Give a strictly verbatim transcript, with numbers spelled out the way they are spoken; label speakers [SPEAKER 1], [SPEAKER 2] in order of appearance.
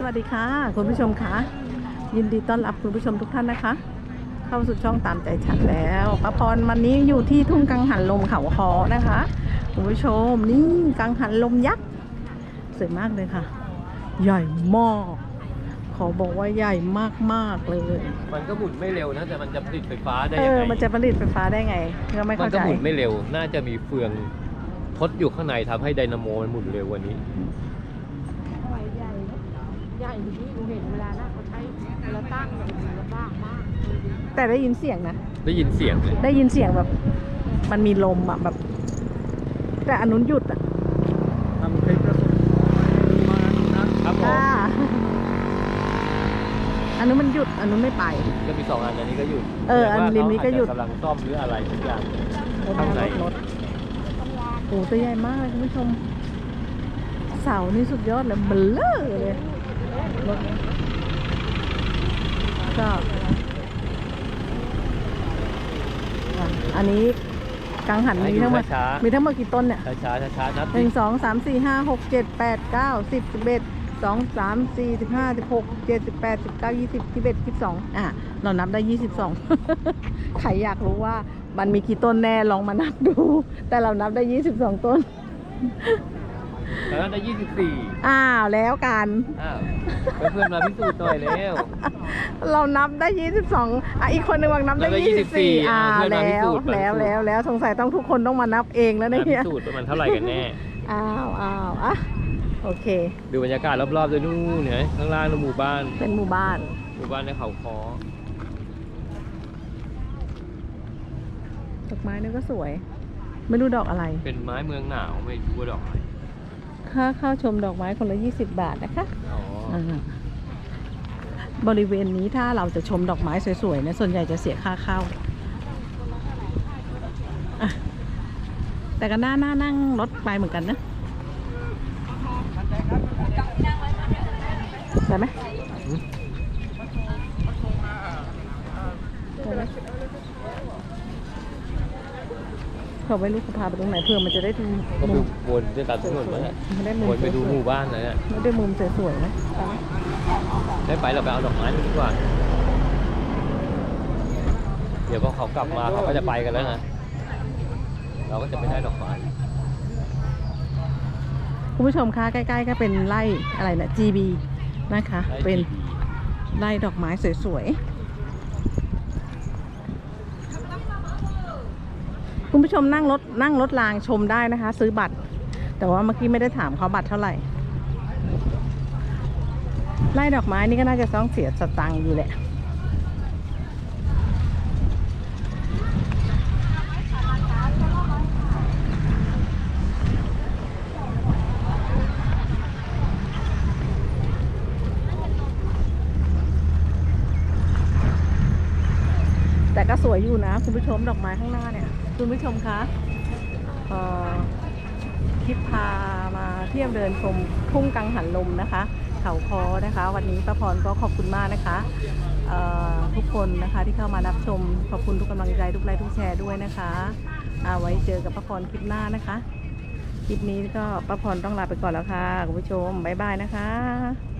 [SPEAKER 1] วัสดีค่ะคุณผู้ชมค่ะยินดีต้อนรับคุณผู้ชมทุกท่านนะคะเข้าสู่ช่องตามใจฉันแล้วป้าพรวันนี้อยู่ที่ทุ่งกังหันลมเขาคอนะคะคุณผู้ชมนี่กังหันลมยักษ์สวยมากเลยค่ะใหญ่มากขอบอกว่าใหญ่มากๆเลย
[SPEAKER 2] มันก็หมุนไม่เร็วนะแต่มันจะผลิตไฟฟ้าได้
[SPEAKER 1] เอ
[SPEAKER 2] ยัง
[SPEAKER 1] อ
[SPEAKER 2] ไง
[SPEAKER 1] มันจะผลิตไฟฟ้าได้ไงก็ไม่
[SPEAKER 2] มัน
[SPEAKER 1] เข้าใจ
[SPEAKER 2] ก็หมุนไม่เร็วน่าจะมีเฟืองทดอยู่ข้างในทำให้ไดนาโมมันหมุนเร็วกว่านี้
[SPEAKER 3] ใหญ่ใหญ่ที่หนูเห็นเวลานะเขาใช้เวลาตั้งแบบลำบากมาก
[SPEAKER 1] แต่ได้ยินเสียงนะ
[SPEAKER 2] ได้ยินเสียงเลย
[SPEAKER 1] ได้ยินเสียงแบบมันมีลมอ่ะแบบแต่อันนู้นหยุดอ่ะ
[SPEAKER 2] ทำคลิปประสบมานะครับผม
[SPEAKER 1] อ่าอันนู้นมันหยุดอันนู้นไม่ไป
[SPEAKER 2] ก็มีสองอันอันนี้ก็หยุด
[SPEAKER 1] เอออันริมนี้ก็หยุด
[SPEAKER 2] กำลังซ่อมหรืออะไรทุกอย่าง
[SPEAKER 1] รถ
[SPEAKER 2] ข้างใน
[SPEAKER 1] รถรถโอ้ตัวใหญ่มากเลยคุณผู้ชมเสานี่สุดยอดเลยเบลเลอร์เลยรถนี้ก็อ่ะอันนี้กังหันมีทั้งหมด
[SPEAKER 2] ช้า
[SPEAKER 1] มีทั้งหมดกี่ต้นเนี่ย
[SPEAKER 2] ช้าช้าช้าช้าๆนับ
[SPEAKER 1] หนึ่งสองสามสี่ห้าหกเจ็ดแปดเก้าสิบสิบเอ็ดสองสามสี่สิบห้าสิบหกเจ็ดสิบแปดสิบเก้ายี่สิบยี่สิบเอ็ดยี่สิบสองอ่ะเรานับได้ยี่สิบสอง ใครอยากรู้ว่ามันมีกี่ต้นแน่ลองมานับดู แต่เรานับได้ยี่สิบสองต้น
[SPEAKER 2] แล้วได้ยี่สิบสี่
[SPEAKER 1] อ้าวแล้วกัน
[SPEAKER 2] อ้าวเพื่อนๆมาพิสูจน์หน่อยแล้ว
[SPEAKER 1] เรานับได้ยี่สิบสองอ่ะอีกคนหนึ่งวางนับได้
[SPEAKER 2] นับได้
[SPEAKER 1] ยี่สิบสี่
[SPEAKER 2] ยี่สิบสี่
[SPEAKER 1] อ่า
[SPEAKER 2] อ่าเพื่อนมาพิ
[SPEAKER 1] แล้ว
[SPEAKER 2] สูจน์มาพิสูจน์
[SPEAKER 1] แล้วแล้วแล้วสงสัยต้องทุกคนต้องมานับเองแล้ว
[SPEAKER 2] มา
[SPEAKER 1] เนี่ย
[SPEAKER 2] พิสูจน์ว่ามันเท่าไหร่กันแน่
[SPEAKER 1] อ้าวอ้าวอ่ะโอเค
[SPEAKER 2] ดูบรรยากาศรอบๆด้วยนู่นเห็นไหมข้างล่างนู่นหมู่บ้าน
[SPEAKER 1] เป็นหมู่บ้าน
[SPEAKER 2] หมู่บ้านในเขาคอ
[SPEAKER 1] ดอกไม้นี่ก็สวย ไม่รู้ดอกอะไร
[SPEAKER 2] เป็นไม้เมืองหนาวไม่รู้ว่าดอกอะไร
[SPEAKER 1] ค่าเข้าชมดอกไม้คนละยี่สิบบาทนะคะ
[SPEAKER 2] อ๋ออ
[SPEAKER 1] าบริเวณนี้ถ้าเราจะชมดอกไม้สวยๆเนี่ยส่วนใหญ่จะเสียค่าเข้าอ่ะแต่ก็น่าน่านั่งรถไปเหมือนกันนะได้ไหมได้ไหมเขาไม่รู้เขาพาไปตรงไหนเพื่อมันจะได้ดู
[SPEAKER 2] ก็
[SPEAKER 1] มุ
[SPEAKER 2] คือ
[SPEAKER 1] ม
[SPEAKER 2] วนจะตัดถนนมาเนี่ย
[SPEAKER 1] ไม่ได้มุม
[SPEAKER 2] วนไปดูหมู่บ้านเลยเนี่ย
[SPEAKER 1] ไม่ได้มุมสวยๆนะไปไหม
[SPEAKER 2] ได้ไปเราไปเอาดอกไม้ดีกว่า เดี๋ยวพอเขากลับมาเขาก็จะไปกันแล้วนะเราก็จะไม่ได้ดอกไม้
[SPEAKER 1] คุณผู้ชมคะใกล้ๆก็เป็นไร่อะไรนะ จี บี นะคะ เป็นไร่ดอกไม้สวยๆคุณผู้ชมนั่งรถนั่งรถรางชมได้นะคะ ซื้อบัตร แต่ว่าเมื่อกี้ไม่ได้ถามเขาบัตรเท่าไหร่ไร่ดอกไม้นี่ก็น่าจะต้องเสียสตังค์อยู่แหละแต่ก็สวยอยู่นะคุณผู้ชมดอกไม้ข้างหน้าเนี่ยคุณผู้ชมคะเอ่อคลิปพามาเที่ยวเดินชมทุ่งกังหันลมนะคะเขาคอนะคะวันนี้ป้าพรก็ขอบคุณมากนะคะเอ่อทุกคนนะคะที่เข้ามารับชมขอบคุณทุกกำลังใจทุกไลค์ทุกแชร์ด้วยนะคะเอาไว้เจอกับป้าพรคลิปหน้านะคะคลิปนี้ก็ป้าพรต้องลาไปก่อนแล้วค่ะคุณผู้ชมบ๊ายบายนะคะ